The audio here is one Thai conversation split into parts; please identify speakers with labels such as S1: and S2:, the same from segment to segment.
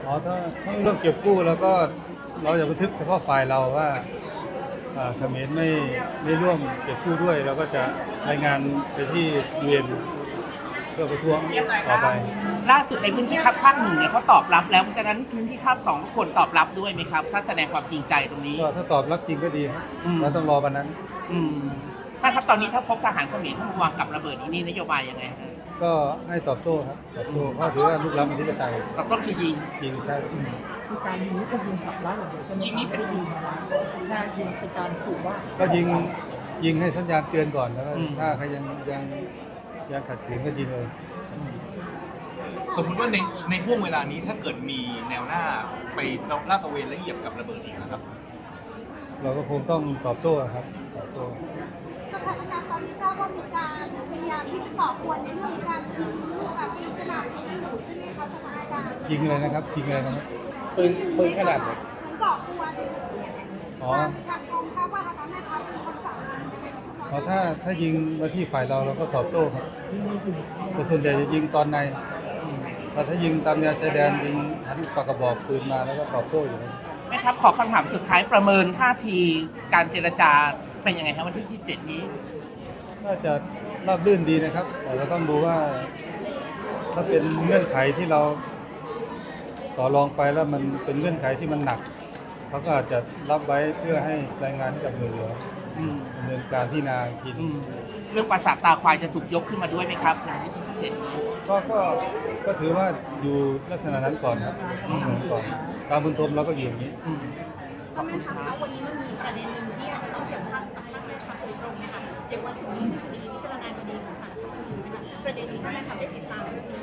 S1: ถ้าเรื่องเก็บกู้แล้วก็เราจะบันทึกเฉพาะฝ่ายเราว่าเขมรไม่ร่วมเก็บกู้ด้วยเราก็จะรายงานไปที่UNเพื่อประท้วงต่อไป
S2: ล่าสุดในพื้นที่คับภาคหนึ่งเนี่ยเขาตอบรับแล้วเพราะฉะนั้นพื้นที่คับสองก็ควรตอบรับด้วยไหมครับถ้าแสดงความจริงใจตรงนี้
S1: ก็ถ้าตอบรับจริงก็ดีครับเราต้องรอวันนั้น
S2: ถ้าครับตอนนี้ถ้าพบทหารเขมรเข้ามาวางกับระเบิดนี่นโยบายยังไง
S1: ก็ให้ตอบโต้ครับตอบโต้เพราะถือว่าลุกล้ำอธิปไตย
S2: ตอบโต้คือ
S1: ยิงใช่
S3: คือการยิงนี่ก็ยิงขับไล่ระเบิดใช่ไหมยิงนี่เป็นยิงแค่ยิงเป็นการขู่ว่า
S1: ก็ยิงให้สัญญาณเตือนก่อนแล้วถ้าใครยังขัดขืนก็ยิงเลย
S4: สมมติว่าในห่วงเวลานี้ถ้าเกิดมีแนวหน้าไปลาดตระเวนและเหยียบกับระเบิดอีกนะครับ
S1: เราก็คงต้องตอบโต้ครับตอบโต้
S5: สถานการณ์ตอนนี้ทราบว่ามีการพยายามที่จะก่อกวนในเรื่องการยิงลูกปืนขนาดเล็กอยู่ใช่ไหมคะสถานการณ์
S1: ยิงอะไรนะครับยิงอะไรนะครับ
S5: ปืนขนาดเล็กเหมือนก่อกวนทางกองทัพว่าทางแม่ทัพมีคำสั่งยังไงกับ
S1: ถ้ายิงมาที่ฝ่ายเราก็ตอบโต้ครับแต่ส่วนใหญ่จะยิงตอนในถ้ายิงตามแนวชายแดนยิงหันปากกระบอกปืนมาแล้วก็ตอบโต้อยู่นะ
S2: แม่ทัพขอคำถามสุดท้ายประเมินท่าทีการเจรจาเป็นยังไงครับวันที่27นี้
S1: น่าจะราบรื่นดีนะครับแต่เราต้องดูว่าถ้าเป็นเงื่อนไขที่เราต่อรองไปแล้วมันเป็นเงื่อนไขที่มันหนักเขาก็อาจจะรับไว้เพื่อให้รายงานให้กับหน่วยเหลือดำเนินการพิจารณาที
S2: เรื่องปราสาทตาควายจะถูกยกขึ้นมาด้วยไหมครับในวันที่27นี้
S1: ก็ถือว่าอยู่ลักษณะนั้นก่อนครับก่อนตามบุญทมเราก็อยู่อย่างนี้
S5: ก็ไม่ทำแล้ววันนี้มันมีประเด็นหนึ่งที่อาจจะต้องเกี่ยวข้องกับท่านแม่ทัพโดยตรงนะคะเดี๋ยววันศุกร์นี้จะมีพิจารณาคดีของศาลรัฐธรรมนูญนะคะประเด็นนี้ท่านแม่ทัพได้ติดตามเรื่องนี้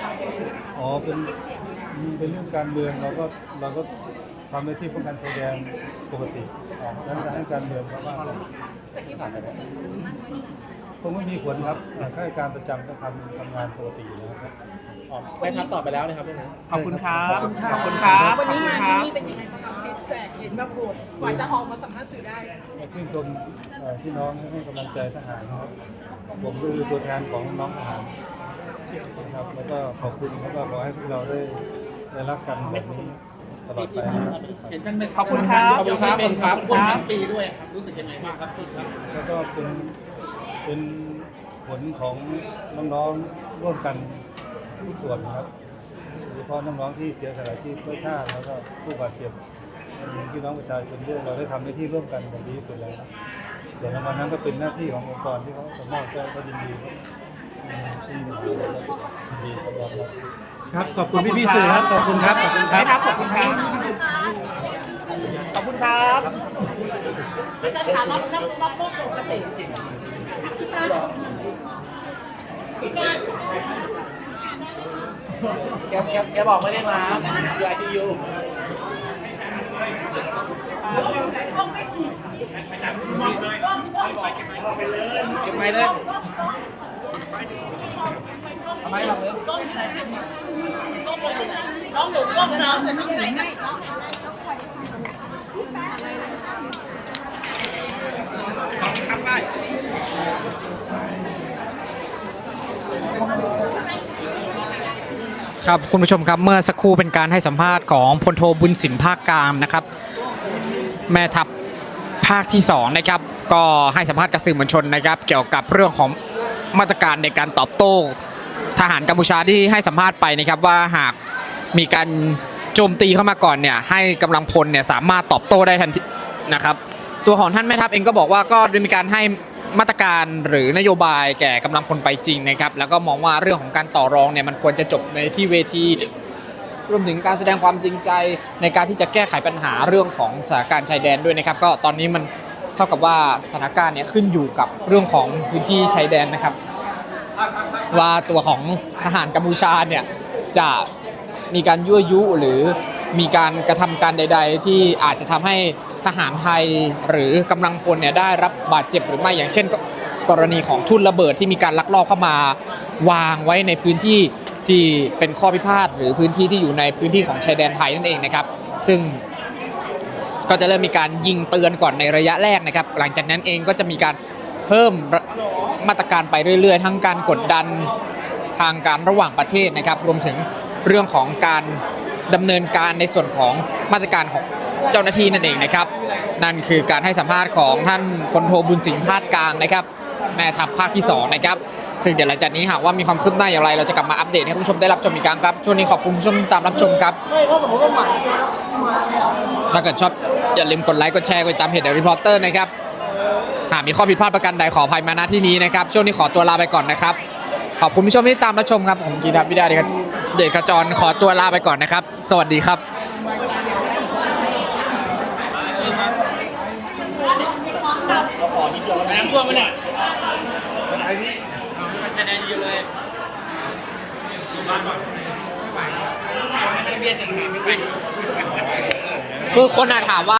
S1: เป็นเรื่องการเมืองเราก็ทำหน้าที่ป้องกันชายแดนปกติดังนั้นให้การเมืองเพราะว่าคงไม่มีผลครับข้าราชการประจำก็ทำงานปกติอยู่แล้วครับ
S3: ไปทับต่อไปแล้วนะครับพี่นะ
S2: ขอบคุณครับขอบคุณครับ
S5: วันนี้งานที่นี่เป็นยังไงบ้างครับแจกเห็นแบบโหดกว่าจะออกมาสัมภาษณ์สื่อได้
S1: ชื่นชมพี่น้องให้กำลังใจทหารนะครับผมคือตัวแทนของน้องทหารนะครับแล้วก็ขอบคุณแล้วก็ขอให้พวกเราได้รักกันแบบนี้ตลอดไป
S2: เห็นจังเลยขอบคุณครับ
S3: ขอบคุณครับคนทั้งปีด้วยครับรู้สึกยังไงบ้างครับพี่ครับ
S1: แล้วก็เป็นผลของน้องๆร่วมกันทุกส่วนนะครับโดยเฉพาะน้องๆที่เสียสละชีพเพื่อชาติแล้วก็ผู้บาดเจ็บพี่น้องประชาชนด้วยเราได้ทำหน้าที่ร่วมกันอย่างดีที่สุดแล้วส่วนรางวัลนั้นก็เป็นหน้าที่ขององค์กรที่เขาสมอบก็ยินดีที่ดีตลอด
S3: ครับขอบคุณพี่สื่อครับขอบคุณครับ
S2: ขอบคุณครับขอบคุณครับขอบคุณครับ
S5: อาจารย์คะรับโลกเกษตร
S2: แกบอกไม่ได้มาอยู่ITUเก็บไม้เลยทำไมเราเลยน้องหนูก้มน้องแต่น้องไหนให้ทำได้
S6: ครับคุณผู้ชมครับเมื่อสักครู่เป็นการให้สัมภาษณ์ของพลโทบุญสินภาคกลางนะครับแม่ทัพภาคที่2นะครับก็ให้สัมภาษณ์กับสื่อมวลชนนะครับเกี่ยวกับเรื่องของมาตรการในการตอบโต้ทหารกัมพูชาที่ให้สัมภาษณ์ไปนะครับว่าหากมีการโจมตีเข้ามาก่อนเนี่ยให้กำลังพลเนี่ยสามารถตอบโต้ได้ทันทีนะครับตัวของท่านแม่ทัพเองก็บอกว่าก็ได้มีการให้มาตรการหรือนโยบายแก่กำลังพลไปจริงนะครับแล้วก็มองว่าเรื่องของการต่อรองเนี่ยมันควรจะจบในที่เวทีรวมถึงการแสดงความจริงใจในการที่จะแก้ไขปัญหาเรื่องของสถานการณ์ชายแดนด้วยนะครับก็ตอนนี้มันเท่ากับว่าสถานการณ์เนี่ยขึ้นอยู่กับเรื่องของพื้นที่ชายแดนนะครับว่าตัวของทหารกัมพูชาเนี่ยจะมีการยั่วยุหรือมีการกระทำการใดๆที่อาจจะทำให้ทหารไทยหรือกำลังพลเนี่ยได้รับบาดเจ็บหรือไม่อย่างเช่นกรณีของทุ่นระเบิดที่มีการลักลอบเข้ามาวางไว้ในพื้นที่ที่เป็นข้อพิพาทหรือพื้นที่ที่อยู่ในพื้นที่ของชายแดนไทยนั่นเองนะครับซึ่งก็จะเริ่มมีการยิงเตือนก่อนในระยะแรกนะครับหลังจากนั้นเองก็จะมีการเพิ่มมาตรการไปเรื่อยๆทั้งการกดดันทางการระหว่างประเทศนะครับรวมถึงเรื่องของการดำเนินการในส่วนของมาตรการของเจ้าหน้าที่นั่นเองนะครับนั่นคือการให้สัมภาษณ์ของท่านพลโทบุญสิงห์พาดกลางนะครับแม่ทัพภาคที่2นะครับซึ่งเดี๋ยวหลังจากนี้หากว่ามีความคืบหน้าอย่างไรเราจะกลับมาอัปเดตให้คุณผู้ชมได้รับชมอีกครั้งครับช่วงนี้ขอบคุณผู้ชมตามรับชมครับถ้าเกิดชอบอย่าลืมกดไลค์กดแชร์กดติดตามเพจ The Reporter นะครับหากมีข้อผิดพลาดประการใดขออภัยมาณที่นี้นะครับช่วงนี้ขอตัวลาไปก่อนนะครับขอบคุณผู้ชมที่ตามรับชมครับผมกีทัพวิดาเดชขจรขอตัวลาไปก่อนนะครับสวัสดีครับ คือคนถามว่า